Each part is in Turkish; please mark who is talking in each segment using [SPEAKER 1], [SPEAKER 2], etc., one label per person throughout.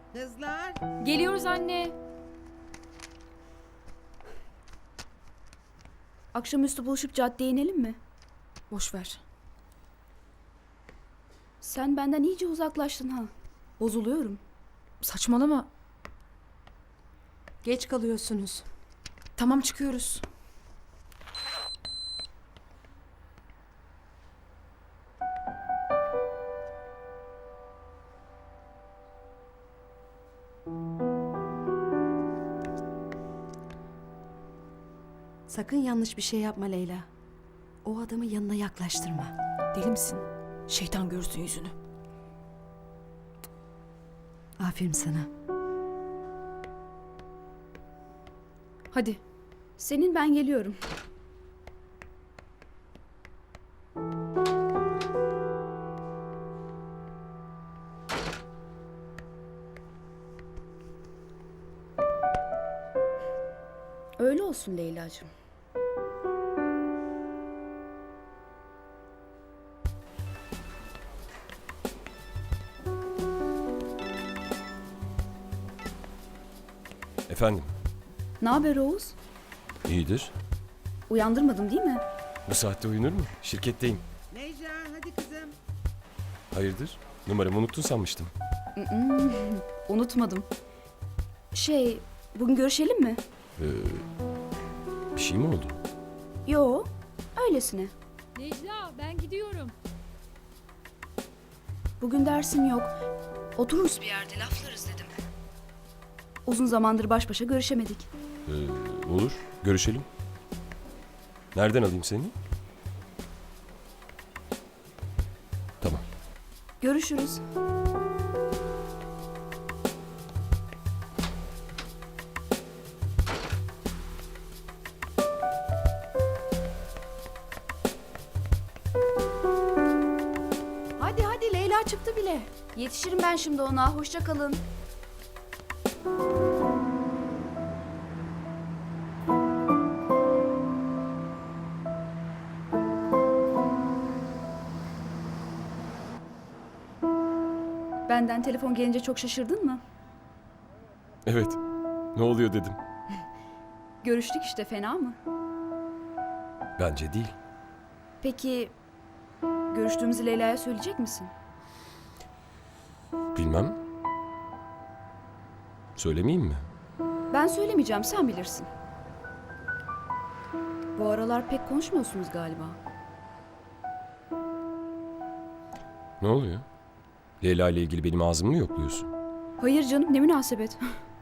[SPEAKER 1] Kızlar.
[SPEAKER 2] Geliyoruz anne.
[SPEAKER 3] Akşamüstü buluşup caddeye inelim mi?
[SPEAKER 2] Boş ver.
[SPEAKER 3] Sen benden iyice uzaklaştın ha. Bozuluyorum.
[SPEAKER 2] Saçmalama.
[SPEAKER 4] Geç kalıyorsunuz.
[SPEAKER 2] Tamam, çıkıyoruz.
[SPEAKER 4] Sakın yanlış bir şey yapma Leyla. O adamı yanına yaklaştırma.
[SPEAKER 2] Deli misin? Şeytan görsün yüzünü.
[SPEAKER 4] Aferin sana.
[SPEAKER 2] Hadi.
[SPEAKER 3] Senin ben geliyorum. Öyle olsun Leyla'cığım.
[SPEAKER 5] Efendim,
[SPEAKER 3] Ne haber Oğuz?
[SPEAKER 5] iyidir.
[SPEAKER 3] Uyandırmadım değil mi?
[SPEAKER 5] Bu saatte uyunur mu? Şirketteyim.
[SPEAKER 1] Necla hadi kızım.
[SPEAKER 5] Hayırdır? Numaramı unuttun sanmıştım.
[SPEAKER 3] Unutmadım. Bugün görüşelim mi?
[SPEAKER 5] Bir şey mi oldu?
[SPEAKER 3] Yo, öylesine.
[SPEAKER 2] Necla, ben gidiyorum.
[SPEAKER 3] Bugün dersim yok. Otururuz bir yerde laflarız dedim. Uzun zamandır baş başa görüşemedik.
[SPEAKER 5] Olur, görüşelim. Nereden alayım seni? Tamam.
[SPEAKER 3] Görüşürüz.
[SPEAKER 4] Hadi hadi Leyla çıktı bile.
[SPEAKER 3] Yetişirim ben şimdi ona. Hoşça kalın. Benden telefon gelince çok şaşırdın mı?
[SPEAKER 5] Evet, ne oluyor dedim.
[SPEAKER 3] Görüştük işte, fena mı?
[SPEAKER 5] Bence değil.
[SPEAKER 3] Peki görüştüğümüzü Leyla'ya söyleyecek misin?
[SPEAKER 5] Bilmem. Söylemeyeyim mi?
[SPEAKER 3] Ben söylemeyeceğim, sen bilirsin. Bu aralar pek konuşmuyorsunuz galiba.
[SPEAKER 5] Ne oluyor? Leyla ile ilgili benim ağzımı mı yokluyorsun?
[SPEAKER 3] Hayır canım, ne münasebet.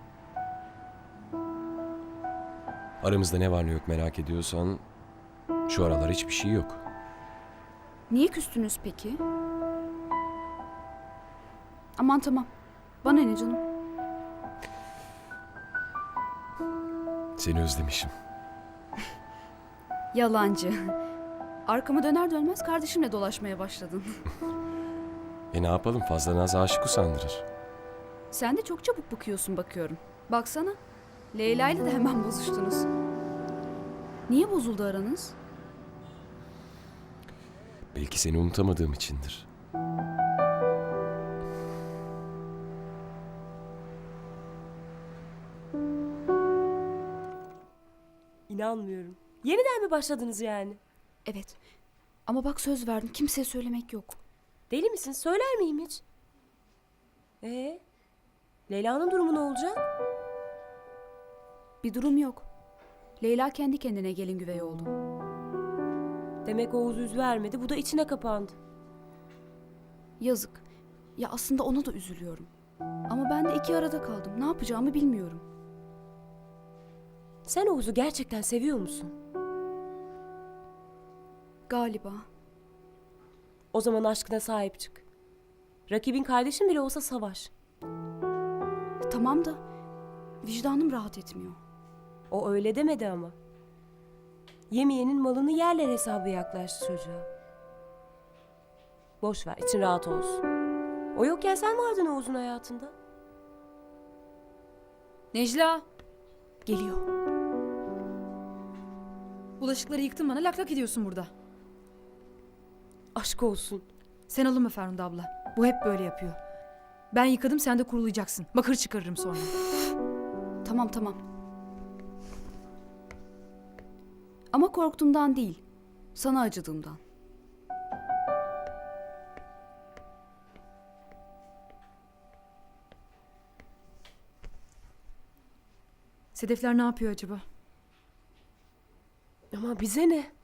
[SPEAKER 5] Aramızda ne var ne yok merak ediyorsan... Şu aralar hiçbir şey yok.
[SPEAKER 3] Niye küstünüz peki? Aman tamam. Bana ne canım?
[SPEAKER 5] Seni özlemişim.
[SPEAKER 3] Yalancı. Arkamı döner dönmez kardeşimle dolaşmaya başladın.
[SPEAKER 5] Ne yapalım, fazla naz aşık usandırır.
[SPEAKER 3] Sen de çok çabuk bıkıyorsun bakıyorum. Baksana. Leyla ile de hemen bozuştunuz. Niye bozuldu aranız?
[SPEAKER 5] Belki seni unutamadığım içindir.
[SPEAKER 6] İnanmıyorum. Yeniden mi başladınız yani?
[SPEAKER 3] Evet. Ama bak söz verdim. Kimseye söylemek yok.
[SPEAKER 6] Deli misin? Söyler miyim hiç? Leyla'nın durumu ne olacak?
[SPEAKER 3] Bir durum yok. Leyla kendi kendine gelin güvey oldu.
[SPEAKER 6] Demek Oğuz yüz vermedi. Bu da içine kapandı.
[SPEAKER 3] Yazık. Ya aslında ona da üzülüyorum. Ama ben de iki arada kaldım. Ne yapacağımı bilmiyorum.
[SPEAKER 6] Sen Oğuz'u gerçekten seviyor musun?
[SPEAKER 3] Galiba.
[SPEAKER 6] O zaman aşkına sahip çık. Rakibin kardeşin bile olsa savaş.
[SPEAKER 3] Tamam da vicdanım rahat etmiyor.
[SPEAKER 6] O öyle demedi ama. Yemeyenin malını yerler hesabı yaklaştı çocuğa. Boş ver, için rahat olsun. O yokken sen vardın Oğuz'un hayatında.
[SPEAKER 2] Necla,
[SPEAKER 3] Geliyor.
[SPEAKER 2] bulaşıkları yıktın, bana lak lak ediyorsun burada.
[SPEAKER 6] Aşk olsun.
[SPEAKER 2] Sen alınma Ferhunde abla. Bu hep böyle yapıyor. Ben yıkadım, sen de kurulayacaksın. Bakır çıkarırım sonra.
[SPEAKER 3] Tamam tamam. Ama korktuğumdan değil. Sana acıdığımdan.
[SPEAKER 2] Sedefler ne yapıyor acaba?
[SPEAKER 6] Ama bize ne?